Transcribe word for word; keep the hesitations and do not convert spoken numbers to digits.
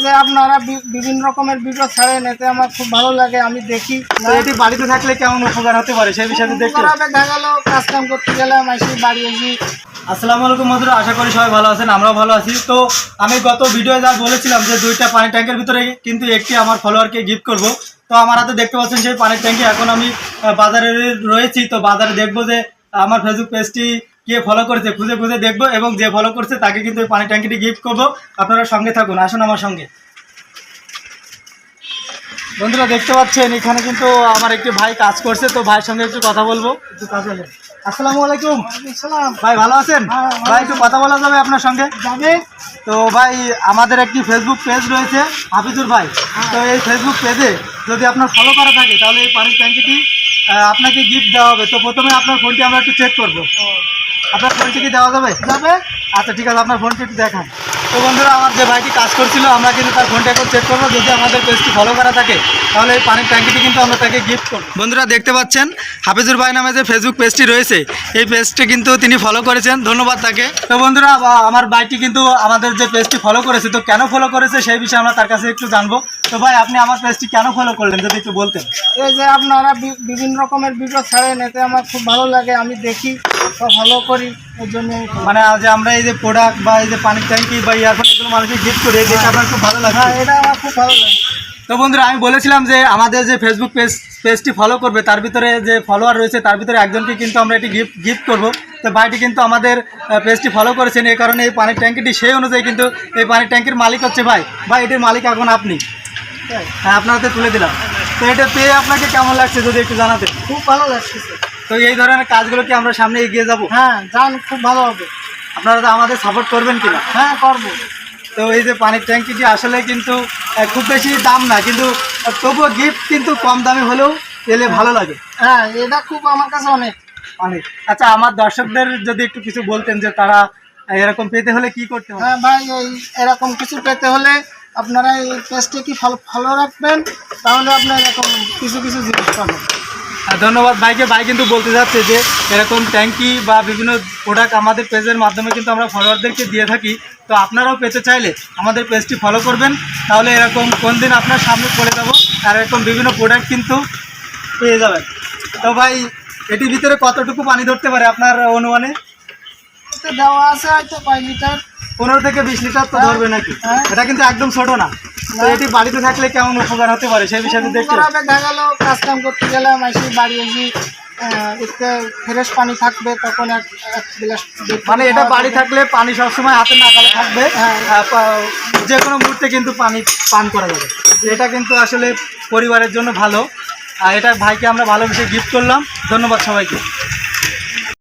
যে আপনারা বিভিন্ন রকমের ভিডিও ছাড়েন, এতে আমার খুব ভালো লাগে, আমি দেখি। এটি বাড়িতে থাকলে কেমন উপকার হতে পারে সেই বিষয়ে দেখতে দেখা গেল কাজ কাম করতে গেলাম, এসে বাড়ি এসে। আসসালামু আলাইকুম বন্ধুরা, আশা করি সবাই ভালো আছেন, আমরাও ভালো আছি। তো আমি গত ভিডিও যা বলেছিলাম যে দুইটা পানি ট্যাঙ্কের ভিতরে কিন্তু একটি আমার ফলোয়ারকে গিফট করব। তো আমার হাতে দেখতে পাচ্ছেন সেই পানির ট্যাঙ্কি। এখন আমি বাজারে রয়েছি, তো বাজারে দেখবো যে আমার ফেসবুক পেজটি কে ফলো করেছে খুঁজে খুঁজে দেখবো, এবং যে ফলো করছে তাকে কিন্তু এই পানি ট্যাঙ্কিটি গিফট করবো। আপনারা সঙ্গে থাকুন, আসুন আমার সঙ্গে। বন্ধুরা দেখতে পাচ্ছেন এখানে কিন্তু আমার একটি ভাই কাজ করছে, তো ভাইয়ের সঙ্গে একটু কথা বলবো। একটু কাজ হলে আসসালামু আলাইকুম। ভাই ভালো আছেন? ভাই একটু কথা বলা যাবে আপনার সঙ্গে? যাবে। তো ভাই আমাদের একটি ফেসবুক পেজ রয়েছে হাফিজুর ভাই, তো এই ফেসবুক পেজে যদি আপনার ফলো করা থাকে তাহলে এই পানির ট্যাঙ্কিটি আপনাকে গিফট দেওয়া হবে। তো প্রথমে আপনার ফোনটি আমরা একটু চেক করবো। আপনার ফোনটি কি দেওয়া যাবে? যাবে। আচ্ছা ঠিক আছে, আপনার ফোনটি একটু দেখান। তো বন্ধুরা আমার যে ভাইটি কাজ করছিল, আমরা কিন্তু তার ফোনটা এখন চেক করবো। যদি আমাদের পেজটি ফলো করা থাকে তাহলে এই পানির ট্যাঙ্কিটি কিন্তু আমরা তাকে গিফট করবো। বন্ধুরা দেখতে পাচ্ছেন হাফিজুর ভাই নামে যে ফেসবুক পেজটি রয়েছে, এই পেজটি কিন্তু তিনি ফলো করেছেন, ধন্যবাদ তাকে। তো বন্ধুরা আমার ভাইটি কিন্তু আমাদের যে পেজটি ফলো করেছে, তো কেন ফলো করেছে সেই বিষয়ে আমরা তার কাছে একটু জানবো। তো ভাই আপনি আমার পেজটি কেন ফলো করলেন যদি একটু বলতেন? এই যে আপনারা বিভিন্ন রকমের ভিডিও ছাড়েন, এতে আমার খুব ভালো লাগে, আমি দেখি, ফলো করি। এর জন্য মানে যে আমরা এই যে প্রোডাক্ট বা এই যে পানির ট্যাঙ্কি বা ইয়ারফোন এগুলো মানুষকে গিফট করি, এটা আপনার খুব ভালো লাগে? হ্যাঁ, এটা আমার খুব ভালো লাগে। তো বন্ধুরা আমি বলেছিলাম যে আমাদের যে ফেসবুক পেজ পেজটি ফলো করবে, তার ভিতরে যে ফলোয়ার রয়েছে তার ভিতরে একজনকে কিন্তু আমরা এটি গিফট গিফট করবো। তো ভাইটি কিন্তু আমাদের পেজটি ফলো করেছেন, এই কারণে এই পানির ট্যাঙ্কিটি সেই অনুযায়ী কিন্তু এই পানির ট্যাঙ্কির মালিক হচ্ছে ভাই। ভাই এটির মালিক এখন আপনি। হ্যাঁ, আপনার হাতে তুলে দিলাম। তো এটা পেয়ে আপনাকে কেমন লাগছে যদি একটু জানাতে? খুব ভালো লাগছে। তো এই ধরনের কাজগুলো কি আমরা সামনে এগিয়ে যাব? হ্যাঁ যান, খুব ভালো হবে। আপনারা তো আমাদের সাপোর্ট করবেন কিনা? হ্যাঁ করবো। তো এই যে পানির ট্যাঙ্কিটি আসলে কিন্তু খুব বেশি দাম না, কিন্তু তবুও গিফট কিন্তু কম দামে হলেও পেলে ভালো লাগে। হ্যাঁ এটা খুব আমার কাছে অনেক অনেক। আচ্ছা আমার দর্শকদের যদি একটু কিছু বলতেন যে তারা এরকম পেতে হলে কি করতে হবে? হ্যাঁ ভাই, এই এরকম কিছু পেতে হলে আপনারা এই পেজটি কি ফলো ফলো রাখবেন, তাহলে আপনার এরকম কিছু কিছু জিনিস পাবেন। ধন্যবাদ ভাইকে। ভাই কিন্তু বলতে যাচ্ছে যে এরকম ট্যাঙ্কি বা বিভিন্ন প্রোডাক্ট আমাদের পেজের মাধ্যমে কিন্তু আমরা ফলোয়ারদেরকে দিয়ে থাকি। তো আপনারাও পেতে চাইলে আমাদের পেজটি ফলো করবেন, তাহলে এরকম কোন দিন আপনার সামনে পড়ে যাব আর এরকম বিভিন্ন প্রোডাক্ট কিন্তু পেয়ে যাবেন। তো ভাই এটির ভিতরে কতটুকু পানি ধরতে পারে আপনার অনুমানে? দেওয়া আছে হয়তো কয় লিটার, পনেরো থেকে বিশ লিটার তো ধরবে নাকি? এটা কিন্তু একদম ছোট না। তো এটি বাড়িতে থাকলে কেমন উপকার হতে পারে সেই বিষয়ে দেখতে দেখা গেল কাজ কাম করতে গেলাম, এসে বাড়ি এসে একটু ফ্রেশ পানি থাকবে, তখন এক গ্লাস। মানে এটা বাড়ি থাকলে পানি সবসময় হাতে নাগালে থাকবে, যে কোনো মুহূর্তে কিন্তু পানি পান করা যাবে। এটা কিন্তু আসলে পরিবারের জন্য ভালো, আর এটা ভাইকে আমরা ভালোবেসে গিফট করলাম। ধন্যবাদ সবাইকে।